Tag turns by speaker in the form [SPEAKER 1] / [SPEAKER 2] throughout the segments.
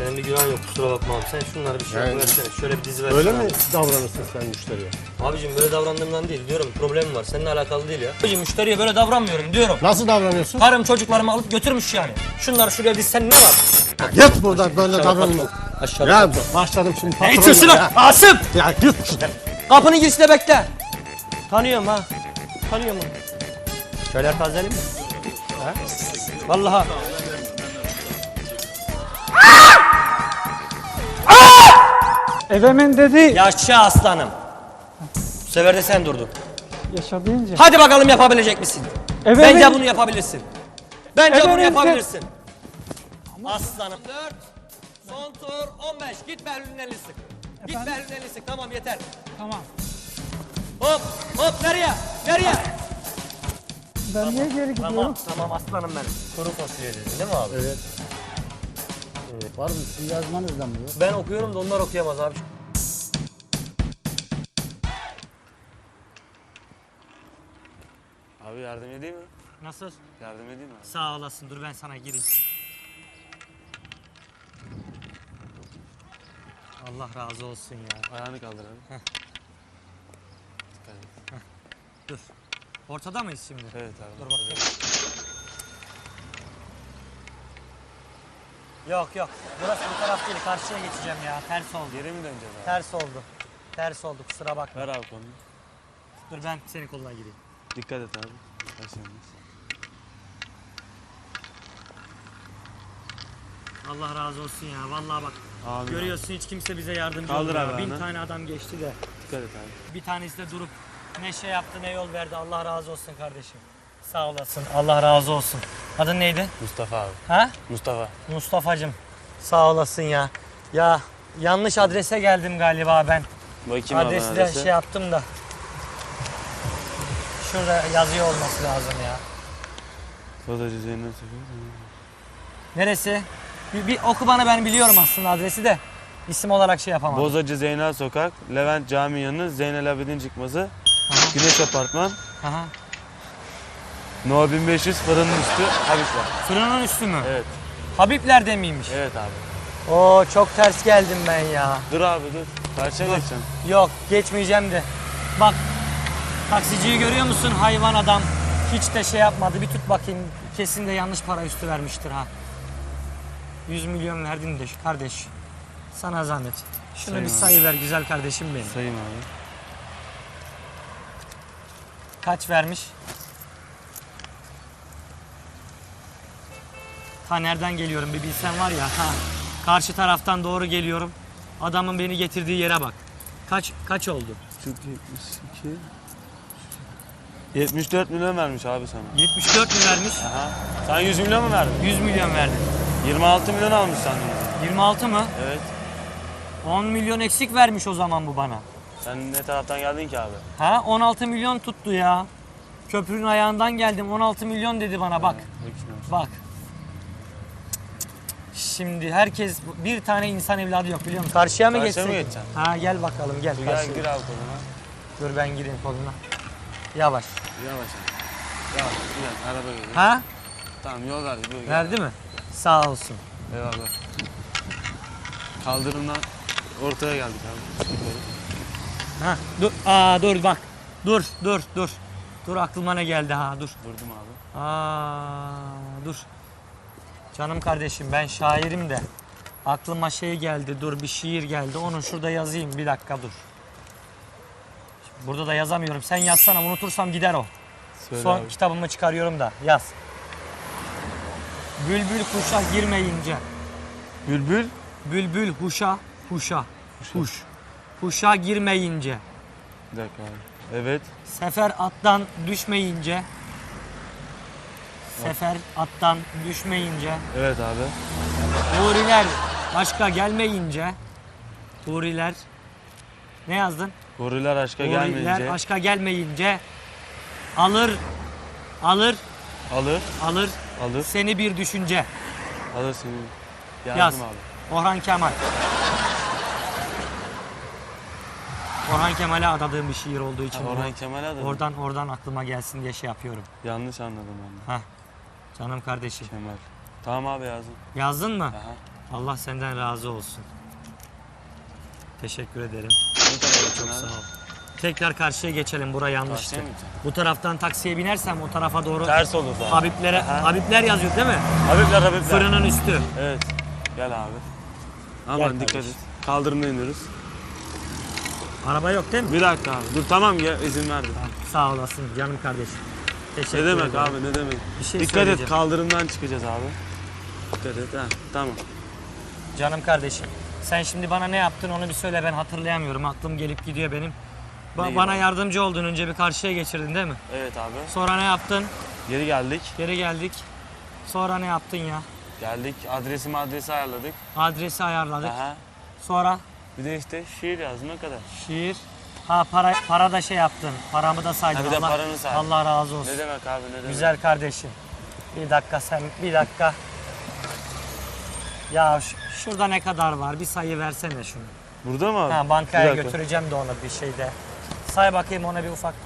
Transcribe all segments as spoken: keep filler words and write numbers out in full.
[SPEAKER 1] Senin bir günahın yok, kusura bakma abi. Sen şunları bir şey
[SPEAKER 2] Yani-
[SPEAKER 1] versene. Şöyle bir dizi versene.
[SPEAKER 2] Öyle
[SPEAKER 1] abi.
[SPEAKER 2] mi davranırsın sen müşteriye?
[SPEAKER 1] Abicim böyle davrandığımdan değil diyorum. Problemim var. Seninle alakalı değil ya. Abicim müşteriye böyle davranmıyorum diyorum.
[SPEAKER 2] Nasıl davranıyorsun?
[SPEAKER 1] Karım çocuklarımı alıp götürmüş yani. Şunları şuraya dizsen ne var?
[SPEAKER 2] Git buradan böyle davranma.
[SPEAKER 1] Aşağı
[SPEAKER 2] Ya
[SPEAKER 1] kalkma.
[SPEAKER 2] başladım şimdi
[SPEAKER 1] Ne
[SPEAKER 2] patronla
[SPEAKER 1] içiyorsun
[SPEAKER 2] ya.
[SPEAKER 1] lan? Asım!
[SPEAKER 2] Ya git şuradan.
[SPEAKER 1] Kapının girişinde bekle. Tanıyorum ha. Tanıyorum ha. Şöyle tazeleyim mi? Ha? Vallahi.
[SPEAKER 3] Evemen dedi.
[SPEAKER 1] Yaşa aslanım. Bu sefer de sen durdun.
[SPEAKER 3] Yaşa deyince.
[SPEAKER 1] Hadi bakalım yapabilecek misin?
[SPEAKER 3] Evet.
[SPEAKER 1] Bence bunu yapabilirsin. Bence
[SPEAKER 3] Evet,
[SPEAKER 1] bunu
[SPEAKER 3] evet.
[SPEAKER 1] yapabilirsin. Aslanım. dört. Son tur on beş. Git Berlin'in elini sık. Git Berlin'in elini sık. Tamam yeter.
[SPEAKER 3] Tamam.
[SPEAKER 1] Hop hop nereye? Nereye?
[SPEAKER 3] Ben niye geri gidiyorum?
[SPEAKER 1] Tamam tamam aslanım benim. Kuru fasulye dedin değil mi abi?
[SPEAKER 2] Evet.
[SPEAKER 4] Var mı? Sizin yazmanızda mı yok?
[SPEAKER 1] Ben okuyorum da onlar okuyamaz abi.
[SPEAKER 5] Abi yardım edeyim mi?
[SPEAKER 1] Nasıl?
[SPEAKER 5] Yardım edeyim mi?
[SPEAKER 1] Sağ olasın. Dur ben sana gireyim. Allah razı olsun ya.
[SPEAKER 5] Ayağını kaldır abi. Dikkat et.
[SPEAKER 1] Dur. Ortada mıyız şimdi?
[SPEAKER 5] Evet abi.
[SPEAKER 1] Dur bakayım. Yok yok. Burası bu taraf değil. Karşıya geçeceğim ya. Ters oldu.
[SPEAKER 5] Geri mi döneceğiz abi?
[SPEAKER 1] Ters oldu. Ters oldu. Kusura bakma.
[SPEAKER 5] Ver abi kolunu.
[SPEAKER 1] Dur ben senin koluna gireyim.
[SPEAKER 5] Dikkat et abi. Başlayalım.
[SPEAKER 1] Allah razı olsun ya. Vallahi bak.
[SPEAKER 5] Abi.
[SPEAKER 1] Görüyorsun hiç kimse bize yardımcı
[SPEAKER 5] Kaldır
[SPEAKER 1] olmuyor.
[SPEAKER 5] abi
[SPEAKER 1] Bin
[SPEAKER 5] ayağını.
[SPEAKER 1] tane adam geçti de.
[SPEAKER 5] Dikkat et abi.
[SPEAKER 1] Bir tanesi de durup ne şey yaptı ne yol verdi. Allah razı olsun kardeşim. Sağ olasın. Allah razı olsun. Adın neydi?
[SPEAKER 5] Mustafa abi.
[SPEAKER 1] Ha?
[SPEAKER 5] Mustafa.
[SPEAKER 1] Mustafa'cım. Sağ olasın ya. Ya yanlış adrese geldim galiba ben.
[SPEAKER 5] Bakayım abi
[SPEAKER 1] Adresi de
[SPEAKER 5] adrese.
[SPEAKER 1] şey yaptım da. Şurada yazıyor olması lazım ya.
[SPEAKER 5] Sodacı Zeynep Sokak.
[SPEAKER 1] Neresi? Bir, bir oku bana, ben biliyorum aslında adresi de. İsim olarak şey yapamadım.
[SPEAKER 5] Bozacı Zeynep Sokak. Levent Cami yanı. Zeynel Abidin çıkması. Güneş Apartman.
[SPEAKER 1] Aha.
[SPEAKER 5] No bin beş yüz fırının üstü. Habibler.
[SPEAKER 1] Fırının üstü mü?
[SPEAKER 5] Evet.
[SPEAKER 1] Habibler'de miymiş?
[SPEAKER 5] Evet abi.
[SPEAKER 1] Oo çok ters geldim ben ya.
[SPEAKER 5] Dur abi dur. Karşıya geçeceksin.
[SPEAKER 1] Yok geçmeyeceğim de. Bak taksiciyi görüyor musun, hayvan adam. Hiç de şey yapmadı. Bir tut bakayım. Kesin de yanlış para üstü vermiştir ha. yüz milyon verdin de kardeş. Sana zahmet. Şunu
[SPEAKER 5] Sayın
[SPEAKER 1] bir
[SPEAKER 5] abi.
[SPEAKER 1] sayı ver güzel kardeşim benim.
[SPEAKER 5] Sayayım abi.
[SPEAKER 1] Kaç vermiş? Ta nereden geliyorum bir bilsen var ya. Ha. Karşı taraftan doğru geliyorum. Adamın beni getirdiği yere bak. Kaç kaç oldu?
[SPEAKER 5] Türk yetmiş iki. yetmiş dört milyon vermiş abi sana.
[SPEAKER 1] yetmiş dört mü vermiş?
[SPEAKER 5] Aha. Sen yüz milyon mu verdin?
[SPEAKER 1] yüz milyon verdin.
[SPEAKER 5] yirmi altı milyon almış senden.
[SPEAKER 1] yirmi altı mı?
[SPEAKER 5] Evet.
[SPEAKER 1] on milyon eksik vermiş o zaman bu bana.
[SPEAKER 5] Sen ne taraftan geldin ki abi?
[SPEAKER 1] Ha on altı milyon tuttu ya. Köprünün ayağından geldim, on altı milyon dedi bana bak.
[SPEAKER 5] Bakayım.
[SPEAKER 1] Bak. Şimdi herkes, bir tane insan evladı yok biliyor musun? Karşıya mı
[SPEAKER 5] Karşıya
[SPEAKER 1] geçsek?
[SPEAKER 5] mı geçeceksin?
[SPEAKER 1] Ha gel bakalım gel.
[SPEAKER 5] Dur
[SPEAKER 1] karşıya.
[SPEAKER 5] gel gir abi koluna.
[SPEAKER 1] Dur ben gireyim koluna. Yavaş.
[SPEAKER 5] Yavaş abi. Yavaş. Gel araba geliyor.
[SPEAKER 1] Ha?
[SPEAKER 5] Tamam yol verdi. Dur, gel.
[SPEAKER 1] Verdi mi? Sağ olsun.
[SPEAKER 5] Eyvallah. Kaldırımdan ortaya geldik abi.
[SPEAKER 1] Ha dur. Aa dur bak. Dur dur dur. Dur aklıma ne geldi ha dur.
[SPEAKER 5] Durdum abi.
[SPEAKER 1] Aa dur. Canım kardeşim ben şairim de. Aklıma şey geldi, dur bir şiir geldi. Onu şurada yazayım, bir dakika dur. Burada da yazamıyorum. Sen yazsana, unutursam gider o.
[SPEAKER 5] Söyle
[SPEAKER 1] Son
[SPEAKER 5] abi.
[SPEAKER 1] kitabımı çıkarıyorum da yaz. Bülbül kuşa girmeyince.
[SPEAKER 5] Bülbül.
[SPEAKER 1] Bülbül huşa, huşa, huş. Huşa girmeyince.
[SPEAKER 5] Bir dakika abi. Evet.
[SPEAKER 1] Sefer attan düşmeyince. Sefer attan düşmeyince.
[SPEAKER 5] Evet abi.
[SPEAKER 1] Huriler başka gelmeyince. Huriler. Ne yazdın?
[SPEAKER 5] Huriler aşka
[SPEAKER 1] Huriler
[SPEAKER 5] gelmeyince
[SPEAKER 1] başka gelmeyince. Alır, alır,
[SPEAKER 5] alır,
[SPEAKER 1] alır
[SPEAKER 5] alır,
[SPEAKER 1] seni bir düşünce.
[SPEAKER 5] alır seni. Yazdım
[SPEAKER 1] Yaz.
[SPEAKER 5] abi.
[SPEAKER 1] Orhan Kemal. Orhan Kemal'e adadığım bir şiir olduğu için.
[SPEAKER 5] Ha, Orhan Kemal'e adadın.
[SPEAKER 1] Oradan oradan aklıma gelsin diye şey yapıyorum.
[SPEAKER 5] Yanlış anladım ben de.
[SPEAKER 1] Hah. Canım kardeşim.
[SPEAKER 5] Kemal. Tamam abi yazdım.
[SPEAKER 1] Yazdın mı?
[SPEAKER 5] Aha.
[SPEAKER 1] Allah senden razı olsun. Teşekkür ederim. Çok sağ ol. Tekrar karşıya geçelim. Bura yanlıştı.
[SPEAKER 5] Karşıya mı gideceğim?
[SPEAKER 1] Bu taraftan taksiye binersem o tarafa doğru
[SPEAKER 5] Ters olur zaten.
[SPEAKER 1] Habiblere,
[SPEAKER 5] Aha.
[SPEAKER 1] Habibler yazıyor değil mi?
[SPEAKER 5] Habibler Habibler.
[SPEAKER 1] Fırının üstü.
[SPEAKER 5] Evet. Gel abi. Aman
[SPEAKER 1] Gel
[SPEAKER 5] dikkat
[SPEAKER 1] kardeşim.
[SPEAKER 5] et. Kaldırımda iniyoruz.
[SPEAKER 1] Araba yok değil mi?
[SPEAKER 5] Bir dakika abi. Dur tamam ya izin verdim.
[SPEAKER 1] Sağ olasın canım kardeşim. Teşekkür
[SPEAKER 5] Ne demek
[SPEAKER 1] ederim.
[SPEAKER 5] abi ne demek.
[SPEAKER 1] Bir şey
[SPEAKER 5] Dikkat et
[SPEAKER 1] söyleyeceğim.
[SPEAKER 5] kaldırımdan çıkacağız abi. Dikkat et ha tamam.
[SPEAKER 1] Canım kardeşim. Sen şimdi bana ne yaptın onu bir söyle, ben hatırlayamıyorum. Aklım gelip gidiyor benim. Ba-
[SPEAKER 5] Neyi
[SPEAKER 1] bana
[SPEAKER 5] var?
[SPEAKER 1] yardımcı oldun, önce bir karşıya geçirdin değil mi?
[SPEAKER 5] Evet abi.
[SPEAKER 1] Sonra ne yaptın?
[SPEAKER 5] Geri geldik.
[SPEAKER 1] Geri geldik. Sonra ne yaptın ya?
[SPEAKER 5] Geldik. Adresimi adresi ayarladık.
[SPEAKER 1] Adresi ayarladık.
[SPEAKER 5] Aha.
[SPEAKER 1] Sonra
[SPEAKER 5] Bir de işte şiir yazdım ne kadar.
[SPEAKER 1] şiir. Ha para para da şey yaptın. Paramı da saydın.
[SPEAKER 5] Ha, bir de
[SPEAKER 1] Allah,
[SPEAKER 5] paranı saydın.
[SPEAKER 1] Allah razı olsun.
[SPEAKER 5] Ne demek abi ne demek.
[SPEAKER 1] Güzel kardeşim. Bir dakika sen, bir dakika. Ya ş- şurada ne kadar var? Bir sayı versene şunu.
[SPEAKER 5] Burada mı abi?
[SPEAKER 1] Ha,
[SPEAKER 5] Bir
[SPEAKER 1] bankaya
[SPEAKER 5] dakika.
[SPEAKER 1] götüreceğim de onu bir şeyde. Say bakayım ona bir ufak.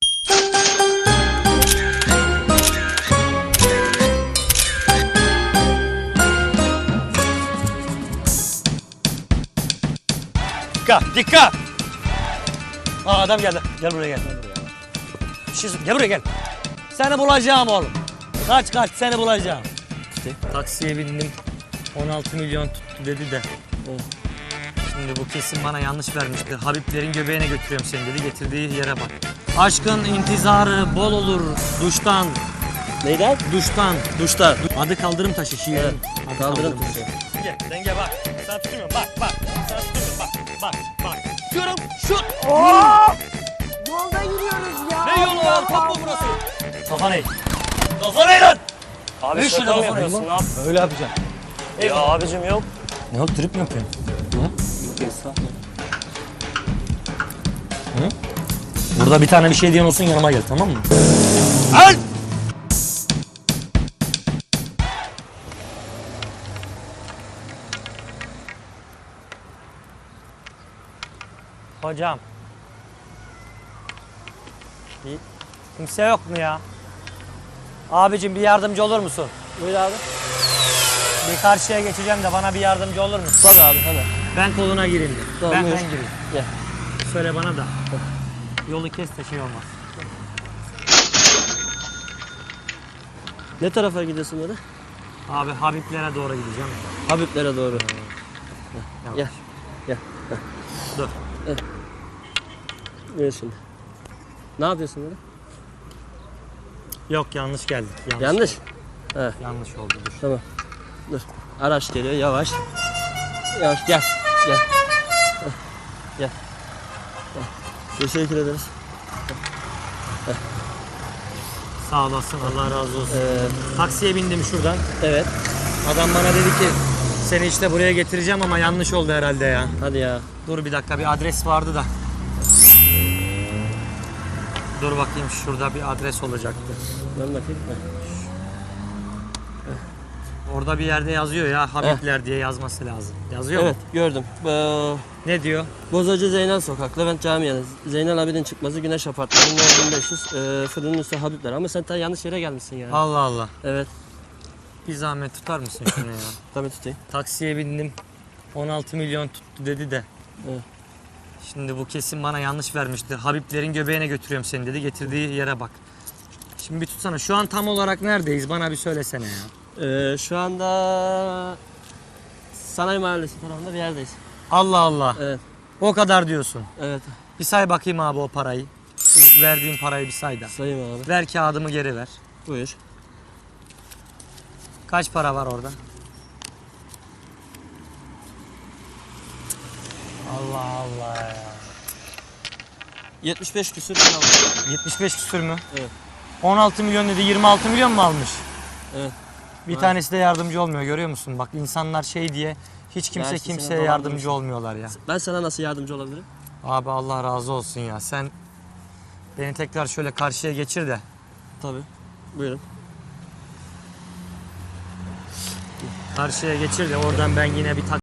[SPEAKER 1] Dikkat, dikkat! Aa, adam geldi. Gel buraya gel. Bir şey sor- gel buraya gel. Seni bulacağım oğlum. Kaç kaç seni bulacağım. Taksiye bindim. on altı milyon tuttu dedi de. Şimdi bu kesin bana yanlış vermiştir. Habiblerin göbeğine götürüyorum seni dedi. Getirdiği yere bak. Aşkın intizarı bol olur duştan.
[SPEAKER 6] Neyden?
[SPEAKER 1] Duştan.
[SPEAKER 6] Duşta.
[SPEAKER 1] Adı kaldırım taşı şiirin.
[SPEAKER 6] Evet,
[SPEAKER 1] Adı
[SPEAKER 6] kaldırım taşı.
[SPEAKER 1] Gel denge bak. Sana tutmuyorum bak bak. Sana tutmuyorum bak bak bak. Diyorum şut.
[SPEAKER 3] Yolda yürüyoruz ya.
[SPEAKER 1] Ne yolu var? Top mu burası? Kafa ne? Kafa ne lan?
[SPEAKER 6] Abi
[SPEAKER 1] Üç
[SPEAKER 6] şaka
[SPEAKER 1] lira
[SPEAKER 6] mı
[SPEAKER 1] kafa ne
[SPEAKER 6] yapıyorsun?
[SPEAKER 1] lan?
[SPEAKER 6] Öyle yapacağım. Ya abicim yok.
[SPEAKER 1] Ne oldu, trip mi yapıyorsun? Hı? Burada bir tane bir şey diyen olsun, yanıma gel, tamam mı? Al! Hocam. Bir, kimse yok mu ya? Abicim bir yardımcı olur musun?
[SPEAKER 6] Buyur abi.
[SPEAKER 1] Bir karşıya geçeceğim de bana bir yardımcı olur musun?
[SPEAKER 6] Tabii abi hemen.
[SPEAKER 1] Ben koluna gireyim de.
[SPEAKER 6] Tamam,
[SPEAKER 1] ben,
[SPEAKER 6] buyur.
[SPEAKER 1] ben gireyim.
[SPEAKER 6] Gel.
[SPEAKER 1] Söyle bana da. Yolu kes de şey olmaz.
[SPEAKER 6] Ne tarafa gidiyorsun böyle?
[SPEAKER 1] Abi Habiblere doğru gideceğim.
[SPEAKER 6] Habiblere doğru.
[SPEAKER 1] Yavaş.
[SPEAKER 6] Gel. Gel.
[SPEAKER 1] Dur.
[SPEAKER 6] Buyur şimdi. Ne yapıyorsun böyle?
[SPEAKER 1] Yok, yanlış geldik. Yanlış.
[SPEAKER 6] Yanlış.
[SPEAKER 1] oldu. Yanlış oldu. Dur.
[SPEAKER 6] Tamam. Dur. Araç geliyor yavaş. Yavaş gel. Gel. Heh, Gel. Gel. Teşekkür ederiz.
[SPEAKER 1] Sağ olasın. Allah razı olsun.
[SPEAKER 6] Ee,
[SPEAKER 1] Taksiye bindim şuradan.
[SPEAKER 6] evet.
[SPEAKER 1] Adam bana dedi ki seni işte buraya getireceğim ama yanlış oldu herhalde ya.
[SPEAKER 6] Hadi ya.
[SPEAKER 1] Dur bir dakika, bir adres vardı da. Dur bakayım, şurada bir adres olacaktı.
[SPEAKER 6] Ben bakayım. Heh.
[SPEAKER 1] Orada bir yerde yazıyor ya, Habibler diye yazması lazım. Yazıyor
[SPEAKER 6] Evet
[SPEAKER 1] mu?
[SPEAKER 6] gördüm. Ee,
[SPEAKER 1] Ne diyor?
[SPEAKER 6] Bozacı Zeynel Sokak, Levent Camii yanı. Zeynel Abidin çıkması Güneş Apartmanı, No bin beş yüz, e, fırının üstü Habibler. Ama sen ta yanlış yere gelmişsin ya.
[SPEAKER 1] Allah Allah.
[SPEAKER 6] Evet,
[SPEAKER 1] Bir zahmet tutar mısın şunu ya?
[SPEAKER 6] tabii tutayım.
[SPEAKER 1] Taksiye bindim. on altı milyon tuttu dedi de.
[SPEAKER 6] Evet.
[SPEAKER 1] Şimdi bu kesin bana yanlış vermiştir. Habiblerin göbeğine götürüyorum seni dedi. Getirdiği yere bak. Şimdi bir tutsana. Şu an tam olarak neredeyiz? Bana bir söylesene ya.
[SPEAKER 6] Ee, şu anda Sanayi Mahallesi tarafında bir yerdeyiz.
[SPEAKER 1] Allah Allah.
[SPEAKER 6] Evet,
[SPEAKER 1] O kadar diyorsun.
[SPEAKER 6] evet.
[SPEAKER 1] Bir say bakayım abi o parayı. Şu verdiğin parayı bir say da.
[SPEAKER 6] Sayayım abi.
[SPEAKER 1] Ver kağıdımı geri ver.
[SPEAKER 6] Buyur.
[SPEAKER 1] Kaç para var orada? Allah Allah ya.
[SPEAKER 6] yetmiş beş küsür lira aldım.
[SPEAKER 1] yetmiş beş küsür mü?
[SPEAKER 6] Evet.
[SPEAKER 1] on altı milyon dedi, yirmi altı milyon mu almış?
[SPEAKER 6] Evet.
[SPEAKER 1] Bir tanesi de yardımcı olmuyor, görüyor musun? Bak insanlar şey diye hiç kimse
[SPEAKER 6] Dersisine
[SPEAKER 1] kimseye
[SPEAKER 6] dolandırmış.
[SPEAKER 1] yardımcı olmuyorlar ya.
[SPEAKER 6] Ben sana nasıl yardımcı olabilirim?
[SPEAKER 1] Abi Allah razı olsun ya. Sen beni tekrar şöyle karşıya geçir de.
[SPEAKER 6] Tabii. Buyurun.
[SPEAKER 1] Karşıya geçir de oradan ben yine bir tak